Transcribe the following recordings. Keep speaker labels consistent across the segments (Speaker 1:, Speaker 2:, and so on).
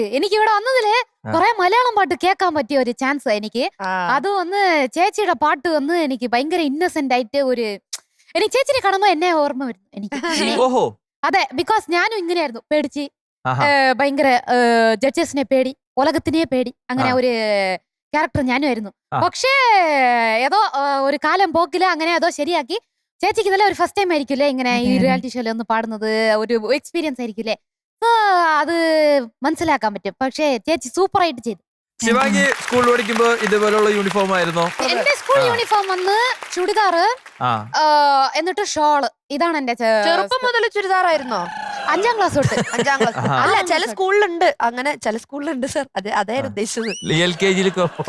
Speaker 1: എനിക്ക് ഇവിടെ വന്നതില് കുറെ മലയാളം പാട്ട് കേൾക്കാൻ പറ്റിയ ഒരു ചാൻസ് എനിക്ക്. അത് ഒന്ന് ചേച്ചിയുടെ പാട്ട് വന്ന് എനിക്ക് ഭയങ്കര ഇന്നസെന്റ് ആയിട്ട് എനിക്ക് ചേച്ചിനെ കാണുമ്പോ എന്നെ ഓർമ്മ വരുന്നു എനിക്ക്.
Speaker 2: ഓഹോ
Speaker 1: അതെ, ബിക്കോസ് ഞാനും ഇങ്ങനെയായിരുന്നു, പേടിച്ച് ഭയങ്കര ജഡ്ജസിനെ പേടി, ഉലകത്തിനെ പേടി, അങ്ങനെ ഒരു ക്യാരക്ടർ ഞാനും ആയിരുന്നു. പക്ഷേ ഏതോ ഒരു കാലം പോക്കില് അങ്ങനെ ഏതോ ശരിയാക്കി. ചേച്ചിക്ക് ഇതെല്ലാം ഒരു ഫസ്റ്റ് ടൈം ആയിരിക്കില്ലേ ഇങ്ങനെ ഈ റിയാലിറ്റി ഷോയിൽ ഒന്ന് പാടുന്നത്, ഒരു എക്സ്പീരിയൻസ് ആയിരിക്കില്ലേ, അത് മനസ്സിലാക്കാൻ പറ്റും. പക്ഷേ ചേച്ചി സൂപ്പർ ആയിട്ട് ചെയ്തു.
Speaker 2: ശിവാംഗി സ്കൂളിൽ പഠിക്കുമ്പോ ഇതുപോലുള്ള യൂണിഫോം ആയിരുന്നോ?
Speaker 1: എന്റെ സ്കൂൾ യൂണിഫോം വന്ന് ചുടിദാറ്, എന്നിട്ട് ഷോള്. ഇതാണ് എന്റെ
Speaker 3: ചെറുപ്പം മുതൽ ചുരിദാറായിരുന്നോ?
Speaker 1: 5ാം ക്ലാസ് തൊട്ട്.
Speaker 3: 5ാം ക്ലാസ് അല്ല, ചില സ്കൂളിലുണ്ട് അങ്ങനെ, ചില സ്കൂളിലുണ്ട് സർ. അതായിരുന്നു ഉദ്ദേശിച്ചത്.
Speaker 2: LKG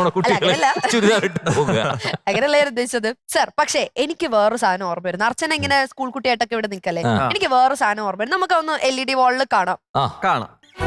Speaker 3: അങ്ങനെയല്ല ഉദ്ദേശിച്ചത് സർ. പക്ഷേ എനിക്ക് വേറൊരു സാധനം ഓർമ്മ വരുന്നു. അർച്ചന ഇങ്ങനെ സ്കൂൾ കുട്ടിയായിട്ടൊക്കെ ഇവിടെ നിൽക്കല്ലേ, എനിക്ക് വേറൊരു സാധനം ഓർമ്മ വരും. നമുക്ക് ഒന്ന് LED വാളിൽ കാണാം.
Speaker 2: കാണാം.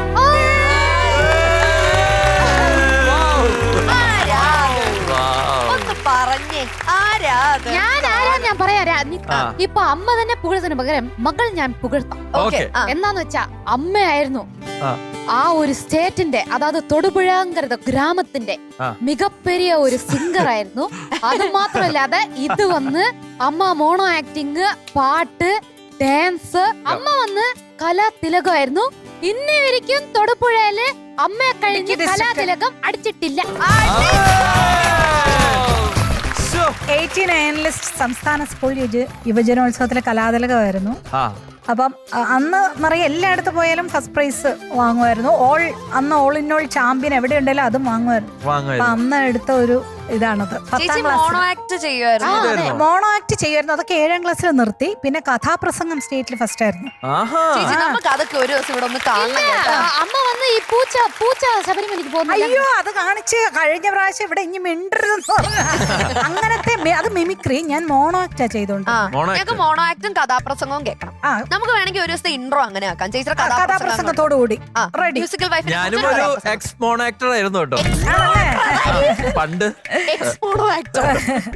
Speaker 3: ഒന്ന് പറഞ്ഞേ ആരാത്?
Speaker 1: ഞാൻ പറയാ. ഇപ്പൊ അമ്മ തന്നെ പുകഴ്ത്തിന് പകരം മകൾ ഞാൻ പുകഴ്ത്താം. എന്നാന്ന് വെച്ചാ അമ്മയായിരുന്നു ആ ഒരു സ്റ്റേറ്റിന്റെ, അതായത് തൊടുപുഴാങ്കര ഗ്രാമത്തിന്റെ മികപ്പെരിയ ഒരു സിംഗർ ആയിരുന്നു. അത് മാത്രമല്ലാതെ ഇത് വന്ന് അമ്മ മോണോ ആക്ടിങ്, പാട്ട്, ഡാൻസ്, അമ്മ വന്ന് കലാതിലകമായിരുന്നു. ഇന്നേവരിക്കും തൊടുപുഴയില് അമ്മയെ കഴിഞ്ഞ് കലാതിലകം അടിച്ചിട്ടില്ല.
Speaker 4: 89 സംസ്ഥാന സ്കൂൾ യുവജനോത്സവത്തിലെ കലാതിലകമായിരുന്നു. അപ്പം അന്ന് നിറയെ എല്ലായിടത്ത് പോയാലും ഫസ്റ്റ് പ്രൈസ് വാങ്ങുമായിരുന്നു. അന്ന് ഓൾ ഇൻ ഓൾ ചാമ്പ്യൻ എവിടെ ഉണ്ടെങ്കിലും അതും വാങ്ങുമായിരുന്നു. അപ്പൊ അന്ന് എടുത്ത ഒരു ഇതാണത്. 10ാം ക്ലാസ്
Speaker 3: മോണോ ആക്ട് ചെയ്യുമായിരുന്നു.
Speaker 4: മോണോ ആക്ട് ചെയ്യുമായിരുന്നു. അതൊക്കെ 7ാം ക്ലാസ്സിൽ നിർത്തി. പിന്നെ കഥാപ്രസംഗം സ്റ്റേറ്റിൽ ഫസ്റ്റ് ആയിരുന്നു.
Speaker 3: നമുക്ക് അതൊക്കെ ഒരു ദിവസം ഇവിടെ ഒന്ന് കാണാം.
Speaker 1: അമ്മ വന്ന് ഈ പൂച്ച ശബരിമലയ്ക്ക് പോകുന്നു.
Speaker 4: അയ്യോ, അത് കാണിച്ച് കഴിഞ്ഞ പ്രാവശ്യം ഇവിടെ ഇനി മിണ്ടരുതെന്ന് പറഞ്ഞു. അങ്ങനത്തെ അത് മിമിക്രി. ഞാൻ മോണോ ആക്ടാ ചെയ്തോണ്ട്.
Speaker 3: ഞങ്ങൾക്ക് മോണോ ആക്ടും കഥാപ്രസംഗവും കേൾക്കണം. നമുക്ക് വേണമെങ്കിൽ ഒരു ദിവസത്തെ ഇൻട്രോ അങ്ങനെ ആക്കാം. ചേച്ചിയുടെ
Speaker 4: കഥാപ്രസംഗത്തോടുകൂടി റെഡി.
Speaker 3: Musical wife.
Speaker 2: ഞാനും ഒരു എക്സ് മോണോ ആക്ടർ ആയിരുന്നു കേട്ടോ പണ്ട്.